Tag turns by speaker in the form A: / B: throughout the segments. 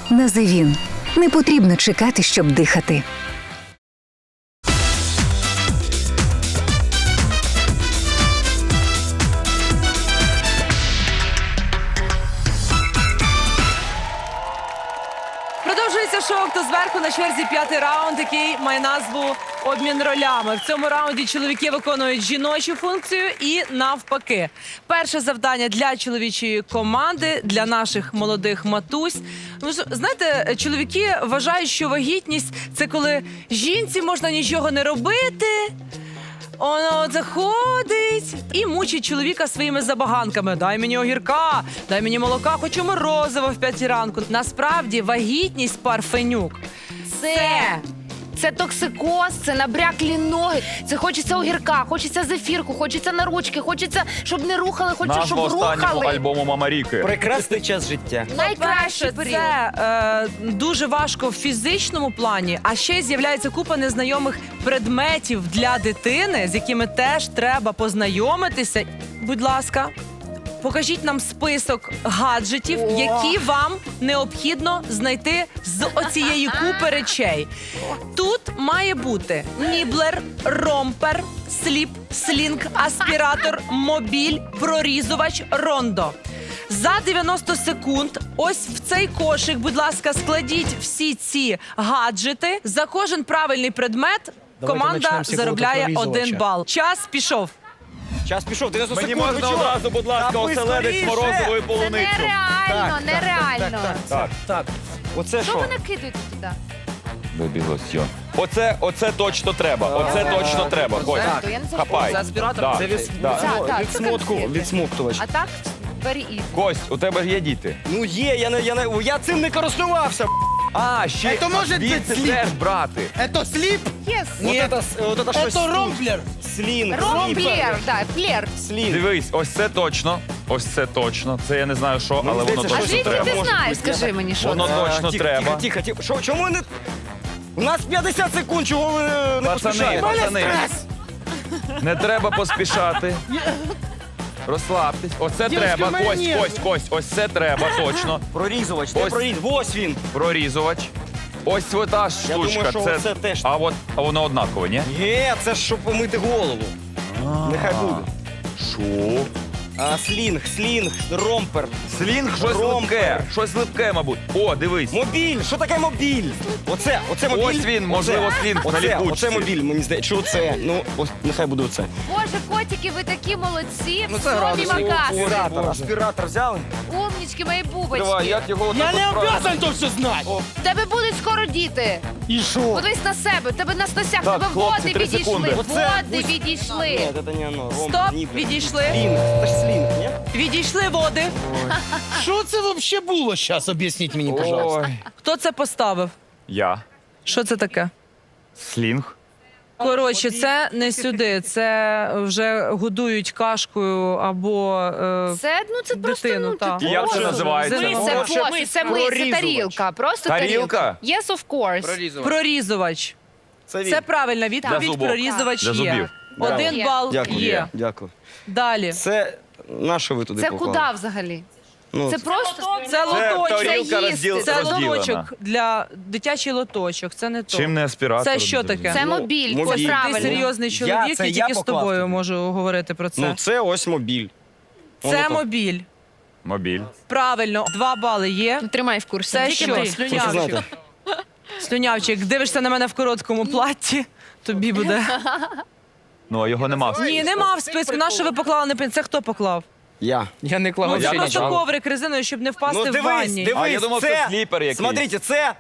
A: Називін. Не потрібно чекати, щоб дихати.
B: Продовжується шоу «Хто зверху», на черзі 5-й раунд, який має назву «Обмін ролями». В цьому раунді чоловіки виконують жіночу функцію і навпаки. Перше завдання для чоловічої команди, для наших молодих матусь. Ну, знаєте, чоловіки вважають, що вагітність – це коли жінці можна нічого не робити, воно заходить і мучить чоловіка своїми забаганками. Дай мені огірка, дай мені молока, хочу морозиво в 5 ранку. Насправді вагітність, Парфенюк,
C: Це токсикоз, це набряклі ноги, це хочеться огірка, хочеться зефірку, хочеться на ручки, хочеться, щоб не рухали, хочеться, щоб
D: Назва останнього
C: рухали.
D: альбому Мама Ріки.
E: Прекрасний час життя.
C: Найкращий період.
B: це дуже важко в фізичному плані, а ще й з'являється купа незнайомих предметів для дитини, з якими теж треба познайомитися. Будь ласка, покажіть нам список гаджетів, які вам необхідно знайти з оцієї купи речей. Тут має бути ніблер, ромпер, сліп, слінг, аспіратор, мобіль, прорізувач, рондо. За 90 секунд ось в цей кошик, будь ласка, складіть всі ці гаджети. За кожен правильний предмет команда
E: почнемо з
B: заробляє
E: прорізувача.
B: 1 бал. Час пішов.
E: Час пішов, 90
D: Мені
E: секунд.
D: можна одразу, будь ласка,
E: Та ви
D: оселедець з
E: скоріше!
D: морозовою
C: Це
D: полуницю.
C: нереально, нереально.
E: Так. Оце
C: Що
E: що?
C: ви накидуєте туди?
D: Бебі лосьйон. Оце точно треба. Оце точно треба. Кость,
C: Я не знаю.
D: хапай.
B: Це аспіратор?
D: Да.
E: Це
D: Да.
C: це
E: відсмоктувач.
C: А так, very easy.
D: Кость, у тебе ж є діти.
E: Ну є, я цим не користувався.
D: А, ще
F: Це може
D: звідси
F: бути сліп.
D: теж брати.
F: Это слип,
C: Yes.
E: Вот это щось.
F: это ромплер.
E: Слінг.
C: Ромплер, да, плер.
E: Слінг.
D: Дивись, ось це точно. Ось це точно. Це я не знаю що, але воно
E: здається,
C: А
D: точно
C: звідки
D: треба.
C: ти
E: може
C: знаєш,
E: бути.
C: скажи мені, що
D: Воно
C: це?
D: точно треба.
E: Тихо. Що, чому не... У нас 50 секунд, чого ви не
D: Пацани,
E: поспішаєте?
D: пацани, не треба поспішати. Розслабтесь. Оце
F: Дівчатки,
D: треба.
F: в мене
D: Кость. Ось це треба, точно.
E: Прорізувач,
D: Ось.
E: Ось він.
D: Прорізувач. Ось та
E: Я
D: штучка.
E: думаю, що це теж.
D: А воно однакове, ні?
E: Є, це ж щоб помити голову. Нехай буде.
D: Що?
E: А слінг, ромпер.
D: Слінг, щось
E: Ромпер.
D: липке. Щось липке, мабуть. О, дивись.
E: Мобіль, що таке мобіль? Оце мобіль.
D: Ось він, можливо, слінг на ліпучці.
E: Оце мобіль, мені здається. Що оце? Ну, ось, нехай буде оце.
C: Боже, котики, ви такі молодці.
F: це
C: Всьомі
F: градус.
C: макаси.
E: Аспіратор взяли?
C: Умнічки, мої
D: Давай,
C: бубочки.
D: як його
F: Я
D: отак
F: не
D: от правильно?
F: обязан то все знать.
C: В тебе будуть скоро діти.
F: И шо?
C: Подивись на себе, в тебе на стосях, в
D: Так,
C: тебе
D: хлопці,
C: води
D: 3
C: відійшли.
D: секунди.
C: Води відійшли.
E: Ні, це не воно.
B: Стоп, відійшли.
E: Слінг, це ж слінг, ні?
B: Відійшли води.
F: Що це вообще було сейчас? Об'ясніть мені, пожалуйста.
D: Ой.
B: Хто це поставив?
D: Я.
B: Що це таке?
D: Слінг.
B: Коротше, це не сюди, це вже годують кашкою або
C: Це просто,
B: дитину, так.
D: І як це називається?
C: Це посуд, це тарілка. Просто
D: Тарілка?
C: тарілка. Yes, of course.
B: прорізувач.
E: Це він.
B: Це правильна
D: Для
B: відповідь,
D: зубок.
B: прорізувач
D: Для
B: є.
D: зубів.
B: 1
C: Є.
B: бал
E: Дякую.
B: є.
E: Дякую.
B: Далі.
E: Це на що ви туди
C: Це
E: поклали?
C: куди взагалі?
E: Ну,
C: Це просто...
B: Це лоточок.
D: тарілка
C: їсти.
B: Це
D: розділена.
B: лоточок для дитячий лоточок. Це не то.
D: Чим не аспіратор?
B: Це що таке?
C: Це
E: Ну,
C: мобіль,
E: мобіль.
C: це
B: Ти
C: правильно.
B: серйозний чоловік,
E: це
B: і
E: я
B: тільки з
E: поклав
B: тобою
E: тобі.
B: можу говорити про це.
E: Ну, це ось мобіль.
B: Це мобіль.
D: Мобіль.
B: Правильно, 2 бали є.
C: Тримай в курсі.
B: Це
C: Тільки
B: що?
C: ти.
B: Слюнявчик.
E: знаєте.
B: Слюнявчик, дивишся на мене в короткому платті, тобі буде.
D: Ну, а його нема.
B: Ні, нема в списку. На що ви поклали на пін? Це хто поклав?
E: Я.
F: Я не клав
B: Ну,
D: я
B: це
F: вообще
B: просто
F: нічого.
B: коврик резиною, щоб не впасти
E: Ну,
B: в
E: дивись,
B: ванні.
E: дивись,
D: А я думав,
E: це...
D: це сліпер якийсь.
E: Смотрите, це...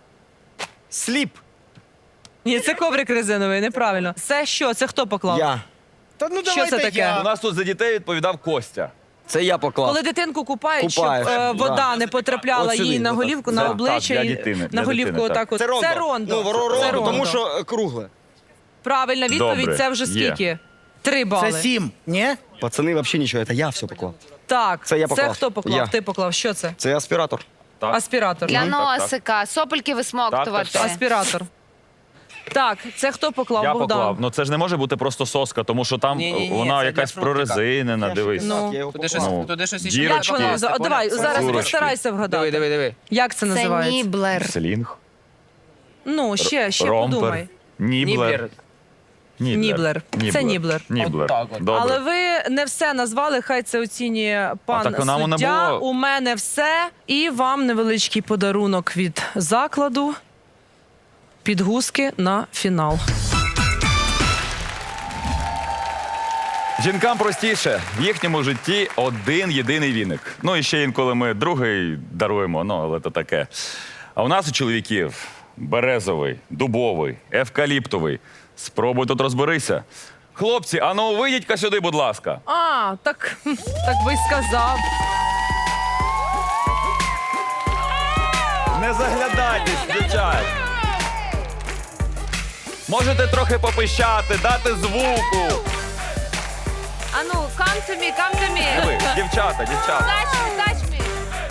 E: Сліп.
B: Ні, це коврик резиновий, неправильно. Це що? Це хто поклав?
E: Я.
F: Та ну
B: Що
F: давайте
B: це таке?
F: я.
D: У нас тут за дітей відповідав Костя.
E: Це я поклав.
B: Коли дитинку купають,
E: Купаєш,
B: щоб
E: да.
B: вода не потрапляла
E: От сюди,
B: їй на
E: отак.
B: голівку,
D: Так,
B: на обличчя,
D: для
B: і
D: дитини,
B: на
D: для
B: голівку
D: дитини,
B: отак от.
E: Це рондо.
B: Це рондо.
E: Ну,
B: Це
E: рондо,
B: рондо.
E: тому що кругле.
B: Правильна відповідь,
D: Добре,
B: це вже
D: є.
B: скільки? 3 бали.
F: Це 7, ні?
E: Пацани, взагалі нічого, це я все поклав.
B: Так,
E: Це я поклав.
B: хто поклав?
E: Я.
B: Ти поклав. Що це?
E: Це аспіратор.
D: Так.
B: Аспіратор.
C: Для
D: так, так.
C: носика, сопельки висмоктувати.
D: Так, так, так.
B: Аспіратор. Так, це хто поклав?
D: Я
B: Богдан?
D: поклав. Ну це ж не може бути просто соска, тому що там
E: Ні-ні-ні,
D: вона
E: це
D: якась
E: для фруктика.
D: прорезинена, дивись.
B: Ну.
E: Я його
G: Туди
E: поклав.
G: щось іще
D: Дірочки.
B: Як воно?
G: покласти,
B: Давай,
G: поняв?
B: зараз
D: Курочки.
B: постарайся вгадати.
G: Диви.
B: Як це
C: Це
B: називається?
C: ніблер.
D: Слінг.
B: Ну, ще
D: Ромпер.
B: подумай.
D: Ніблер.
B: Ніблер. Це ніблер.
D: Ніблер.
G: От так от.
D: Добре.
B: Але ви не все назвали, хай це оцінює пан
D: так нам не
B: суддя.
D: було.
B: У мене все. І вам невеличкий подарунок від закладу. Підгузки на фінал.
D: Жінкам простіше. В їхньому житті один єдиний віник. Ну і ще інколи ми другий даруємо, ну але то таке. А у нас у чоловіків березовий, дубовий, евкаліптовий. Спробуй тут розберися. Хлопці, а ну вийдіть-ка сюди, будь ласка.
B: А, так би й сказав.
D: Не заглядайтесь, дівчат. Можете трохи попищати, дати звуку.
C: Ану, come to me.
D: Ви, дівчата.
C: Touch me.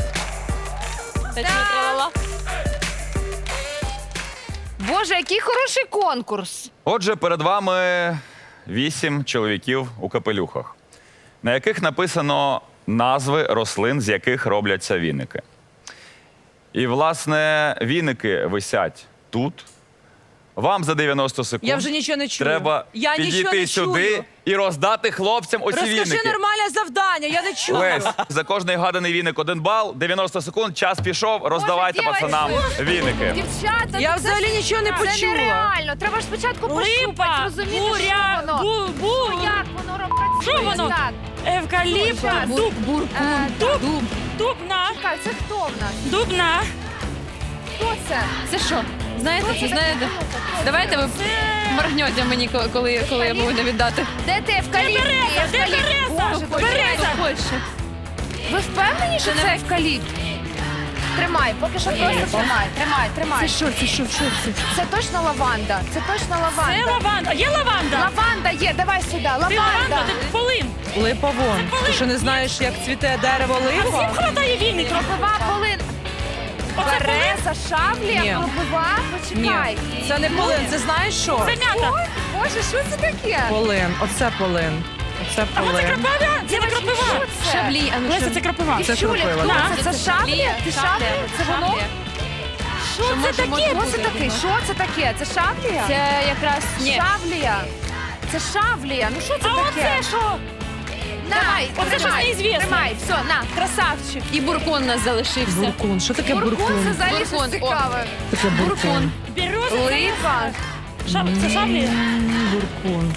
C: Боже, який хороший конкурс.
D: Отже, перед вами 8 чоловіків у капелюхах, на яких написано назви рослин, з яких робляться віники. І, власне, віники висять тут. Вам за 90 секунд
B: Я вже нічого не чую.
D: треба
B: Я нічого
D: підійти
B: не
D: сюди
B: чую.
D: і роздати хлопцям оці
B: Розкажи
D: віники.
B: нормальне завдання, я не чую.
D: Лесь, за кожний гаданий віник 1 бал, 90 секунд, час пішов, роздавайте
C: Боже,
D: пацанам віники.
C: Дівчата,
B: Я
C: ну це
B: взагалі нічого не
C: Це
B: почула.
C: нереально. Треба ж спочатку пощупати, розуміти,
H: буря,
C: що воно.
H: буря.
C: Як воно працює.
H: Що воно?
C: Так.
H: Евкаліпт,
C: Щас.
H: дуб,
C: Дуб.
H: дубна,
C: Чекай, це хто в нас?
H: дубна.
C: Хто це?
I: Це що? Знаєте,
C: Хто
I: це
C: це
I: знаєте?
C: такий?
I: Давайте ви моргнете мені, коли я буду віддати.
C: Де ти евкаліпт?
H: Де Береза?
C: Боже,
H: Береза.
I: Польща.
C: Ви впевнені, що це евкаліпт? Тримай, поки що просто тримай.
I: Що?
C: Це точно лаванда. Це точно
H: Це
C: лаванда.
H: лаванда. Є лаванда?
C: Лаванда є, давай сюди,
H: Ти лаванда,
C: лаванда.
H: ти полин.
B: Липа вон. Ти що не знаєш, як цвіте дерево
H: А всім
B: липа?
H: хватає віник.
C: Кропива, полин.
H: Оце
C: Береза, шаблія,
B: Ні.
C: кропива.
B: Ні,
C: Почекай.
B: це не полин. Це знаєш що?
H: Це м'ята.
C: Ой, Боже, що це таке?
B: Полин. Оце полин. Оце
H: А оце
B: полин.
H: крапива? Це не крапива.
C: Що це?
I: Шаблі, а ну
H: Леся,
I: що?
H: це крапива.
B: Це
C: Чуля,
B: кропива,
C: хто
B: да.
C: це? Це шаблі? Ти шаблі? Це воно? Що це
I: може
C: таке? Що
I: бути
C: це таке?
I: воно?
C: Що це таке? Це шаблія?
I: Це якраз ні.
C: Шаблія. Це шаблія. Ну що це
H: А
C: таке?
H: оце що?
C: Давай,
H: Оце щось
C: тримай,
H: неізвісне.
C: Тримай, все, на, красавчик.
I: І буркон у нас залишився.
B: Буркун. Що таке
C: Буркун, це
B: буркун?
C: взагалі щось
I: Буркун, о.
C: цікаве.
B: Таке буркун.
H: Береза.
C: Липа.
H: Це шаблі?
B: Буркун.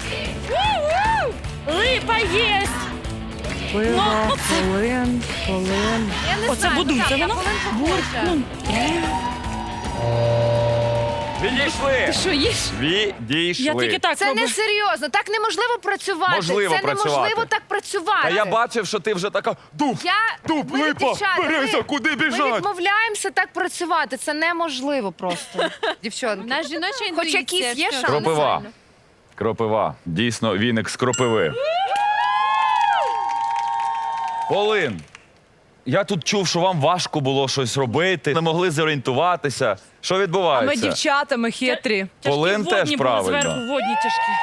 H: Липа є.
B: Пива,
H: Ну, це-
B: полин, полин.
C: Я не
H: Оце
C: знаю,
H: будуй,
C: так,
H: це
C: я
H: воно?
C: полин похожа.
D: Відійшли!
I: Що їш?
D: Відійшли.
H: Я тільки так
C: Це
H: роблю.
C: не серйозно, так неможливо працювати.
D: Можливо
C: це
D: працювати.
C: неможливо так працювати.
D: А я бачив, що ти вже така дуб, дуб,
C: ми,
D: липа,
C: дівчата,
D: береза, куди
C: Ми
D: біжать?
C: відмовляємося так працювати. Це неможливо просто. Дівчатки.
I: Наш жіноча
C: Хоч
I: інтуїція.
C: якісь є
I: що?
C: шанси?
D: Кропива. Кропива. Дійсно, віник з кропиви. Полин. Я тут чув, що вам важко було щось робити, не могли зорієнтуватися. Що
B: А ми
D: відбувається?
B: дівчата, ми хитрі.
D: Полин
H: Тяжкі
D: теж
H: водні були
D: правильно.
H: зверху, водні тяжкі.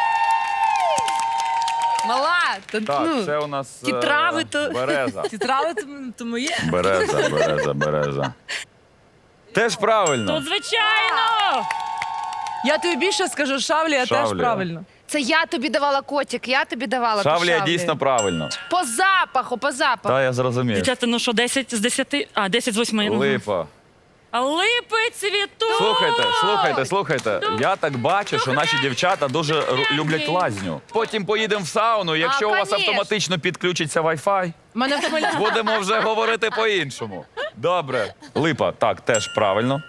C: Мала, то,
D: Так,
C: ну,
D: це у нас
C: ті трави, то-
D: береза.
B: Ті трави то моє.
D: Береза. Теж правильно.
H: То звичайно.
B: Я тобі більше скажу, шавлія теж
D: Шавлія.
B: правильно.
C: це я тобі давала котик, я тобі давала. ту
D: Шавлія
C: шавлію.
D: дійсно правильно.
C: По запаху, по запаху.
D: Та я зрозумів.
H: Дівчата, ну що, 10 з 10? А, 10 з 8.
D: Липа.
H: А липи цвітуть.
D: Слухайте. Я так бачу, що наші дівчата дуже люблять лазню. Потім поїдемо в сауну, якщо у вас
C: конечно.
D: автоматично підключиться Wi-Fi,
B: Мене в Хмельницькому.
D: будемо вже говорити по-іншому. Добре. Липа, так, теж правильно.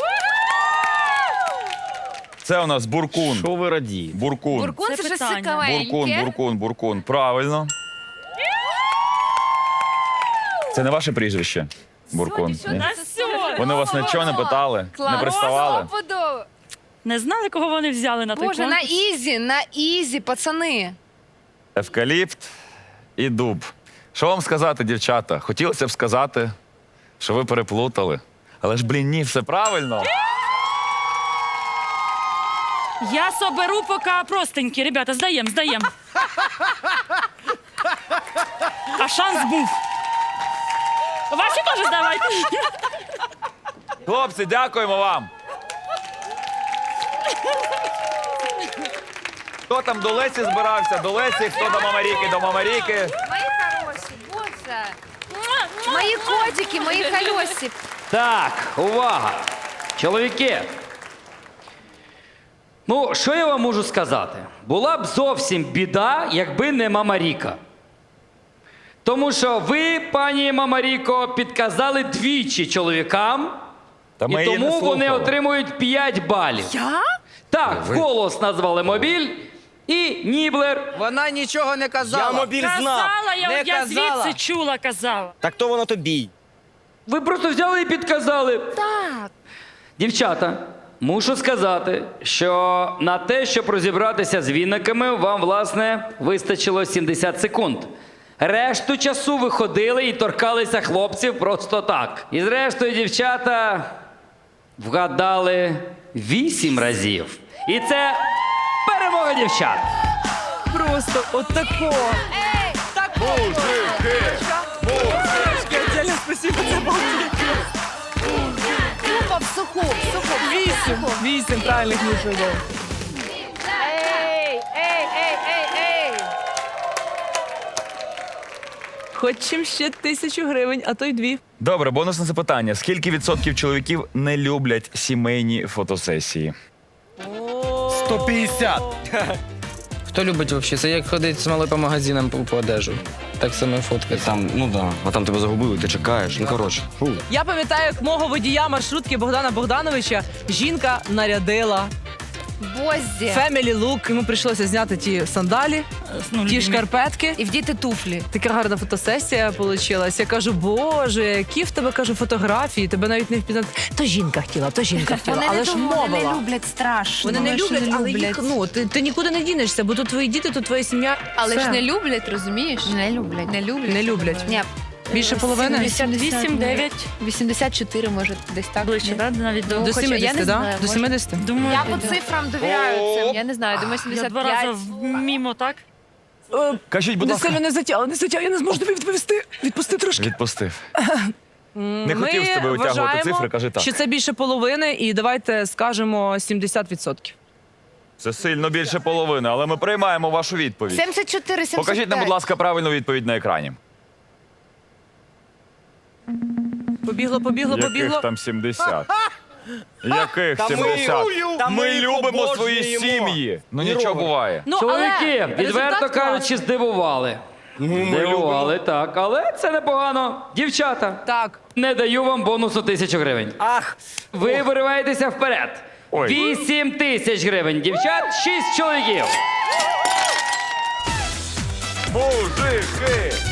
D: Це у нас буркун.
E: Що ви радієте?
D: Буркун.
C: Буркун це
H: Це
C: щось
H: питання.
C: цікавеньке.
D: Буркун. Правильно. Це не ваше прізвище? Буркун.
C: Сьогодні,
D: Ні?
C: що це сьогодні?
D: Вони вас нічого не питали?
C: Клас.
D: Не приставали?
C: Стопудово.
H: Не знали, кого вони взяли на той
C: Боже,
H: конкурс?
C: на ізі, пацани.
D: Евкаліпт і дуб. Що вам сказати, дівчата? Хотілося б сказати, що ви переплутали. Але ж, блін, ні, все правильно.
H: Я соберу поки простенькі. Ребята, здаємо. А шанс був. Ваші теж здавайте.
D: Хлопці, дякуємо вам. Хто там до Лесі збирався? До Лесі, хто до Мамаріки? До Мамаріки.
C: Мої хороші, боже. Мої котики, мої колесі.
G: Так, увага! Чоловіки. Ну, що я вам можу сказати? Була б зовсім біда, якби не Мамаріка. Тому що ви, пані Мамаріко, підказали двічі чоловікам,
D: Та ми
G: і
D: її не
G: тому вони
D: слухали.
G: отримують 5 балів.
B: Я?
G: Так, вголос назвали мобіль і Ніблер.
E: Вона нічого не казала. Я мобіль знав.
H: Казала,
E: Не
H: я
E: казала.
H: звідси чула, казала.
E: Так то воно тобі.
G: Ви просто взяли і підказали.
C: Так.
G: Дівчата, мушу сказати, що на те, щоб розібратися з віниками, вам, власне, вистачило 70 секунд. Решту часу ви ходили і торкалися хлопців просто так. І зрештою, дівчата вгадали 8 разів. І це перемога дівчат.
B: Просто отако.
C: Тупо в суху.
B: Вісім правильних нічого.
C: Ей.
B: Хочемо ще 1000 гривень, а то й 2.
D: Добре, бонусне запитання. Скільки відсотків чоловіків не люблять сімейні фотосесії?
F: 150.
E: Хто любить взагалі? Це як ходить з малою по магазинам по одежу. Так само фоткати.
J: Там, ну да, а там тебе загубили, ти чекаєш. Ну коротше. Фу.
B: Я пам'ятаю, як мого водія маршрутки Богдана Богдановича жінка нарядила
C: Бозі.
B: family look. Йому прийшлося зняти ті сандалі, ті шкарпетки.
C: І вдіти туфлі.
B: Така гарна фотосесія вийшла. Я кажу, боже, які в тебе, кажу, фотографії, тебе навіть не впізнати. То жінка хотіла, але ж мовила.
I: люблять страшно.
B: Вони не люблять, але їх, ну, ти нікуди не дінешся, бо тут твої діти, тут твоя сім'я.
I: Але
B: Все.
I: ж не люблять, розумієш? Не люблять.
B: Не люблять.
I: Ні.
B: Більше половини?
H: 78, 9.
I: 84, може, десь так.
H: Ближче, да? Навіть до...
B: До
I: Хоча, я
B: 70,
I: не
B: да?
I: знаю,
B: До
I: може.
B: 70?
H: Думаю,
I: Я по цифрам довіряю цим. Я не знаю, думаю,
H: я 2 рази
I: 75.
H: мімо, так?
D: Кажіть, будь
B: Не
D: ласка.
B: сильно не затяг, я не зможу тобі відповісти. Відпусти трошки.
D: Відпустив. Не хотів з тебе витягувати цифри, кажи так.
B: що це більше половини, і давайте скажемо 70%.
D: Це сильно більше половини, але ми приймаємо вашу відповідь.
C: 74, 75.
D: Покажіть нам, будь ласка, правильну відповідь на екрані.
B: Побігло.
D: Яких там 70? Яких
E: Та ми
D: 70? Ми
E: їх
D: любимо свої
E: обожнюємо.
D: сім'ї. Ну
E: Ні,
D: нічого
E: Роберт.
D: буває.
B: Ну,
G: Чоловіки,
B: але
G: відверто
B: результат
G: кажучи,
B: класний.
G: здивували. Здивували, так, але це непогано. Дівчата,
B: Так.
G: не даю вам бонусу 1000 гривень.
E: Ах,
G: Ви вириваєтеся вперед.
D: Ой.
G: 8000 гривень. Дівчат, 6 чоловіків.
D: Мужики!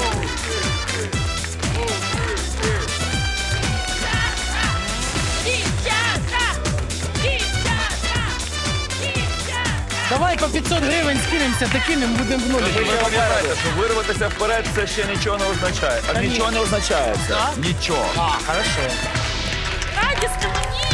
F: Давай по 500 гривень скинемося, такими будемо в нулі.
D: Ви пам'ятаєте, що вирватися вперед це ще нічого не означає. А нічого не означає це. Нічого.
F: А, хорошо.
H: Радісно мені!